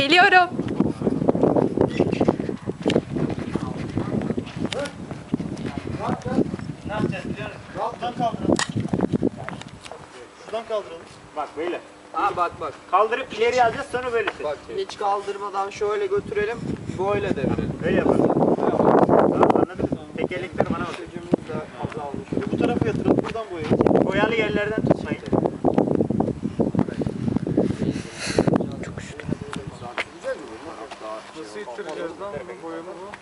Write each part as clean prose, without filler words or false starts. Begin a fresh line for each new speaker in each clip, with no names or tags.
Geliyorum.
Ne yapacağız biliyor musun? Şuradan kaldıralım. Şuradan kaldıralım. Bak böyle.
Bak.
Kaldırıp ileri alacağız sonra böyle çek.
Bak hiç kaldırmadan şöyle götürelim. Böyle devirelim.
Böyle yapalım. Tamam anladın mı? Tekerlekler bana bak.
Gücümüz de azalmış.
Bu tarafa yatıralım buradan boyayalım. Boyalı yerlerden tutmayın.
Nasıl ittireceğiz lan bu boyamı bu?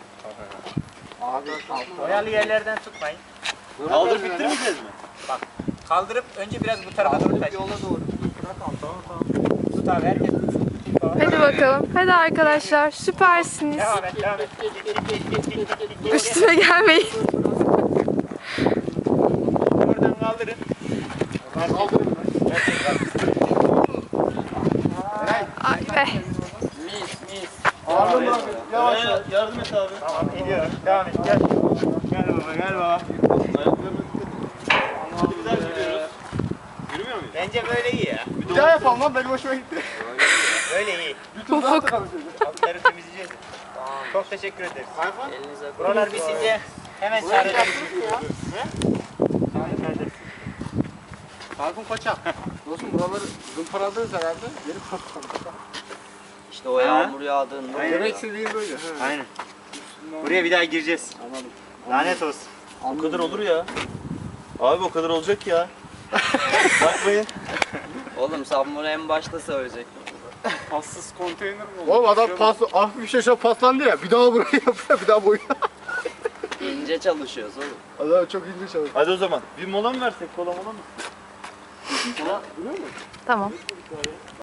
Boyalı yerlerden tutmayın. Kaldırıp ittirmeyeceğiz mi? Bak kaldırıp önce biraz bu tarafa doğru taş.
Yola doğru. Bırak al. Tamam.
Tut abi herkes tutsun.
Hadi bakalım. Hadi arkadaşlar. Süpersiniz.
Devam et.
Üstüme gelmeyin.
Oradan kaldırın. Kaldırın.
Ay be.
Mis.
Ağırlığını bırak. Yavaş yavaş. Yardım et abi. Tamam ediyorum. Devam et gel. Gel baba. Hadi bir daha gidiyoruz. Yürümüyor muyuz? Bence böyle iyi ya.
Bir daha yapalım lan, benim hoşuma gitti.
Böyle iyi.
Ufuk.
Altları temizleyeceğiz. Çok teşekkür ederiz.
Elinize
Buralar bitince hemen çağıracağız.
Tayfun Koçak. Dostum buraları zımparadınız herhalde. Geri patladı.
İşte o yağmur yağdığında.
Aynen.
Demek istediğim böyle.
Aynen. Buraya bir daha gireceğiz.
Anladım.
Lanet olsun.
O
O kadar olur ya. Abi o kadar olacak ya. Bakmayın.
Oğlum sen bunu en başta söyleyecektin.
Passız konteyner mi oldu? Oğlum adam hafif bir şey şöyle paslandı ya. Bir daha burayı yapıyor, bir daha boyuyor.
İnce çalışıyoruz oğlum.
Adam çok ince çalışıyor.
Hadi o zaman. Bir mola mı versek? Kola mola mı?
Tamam.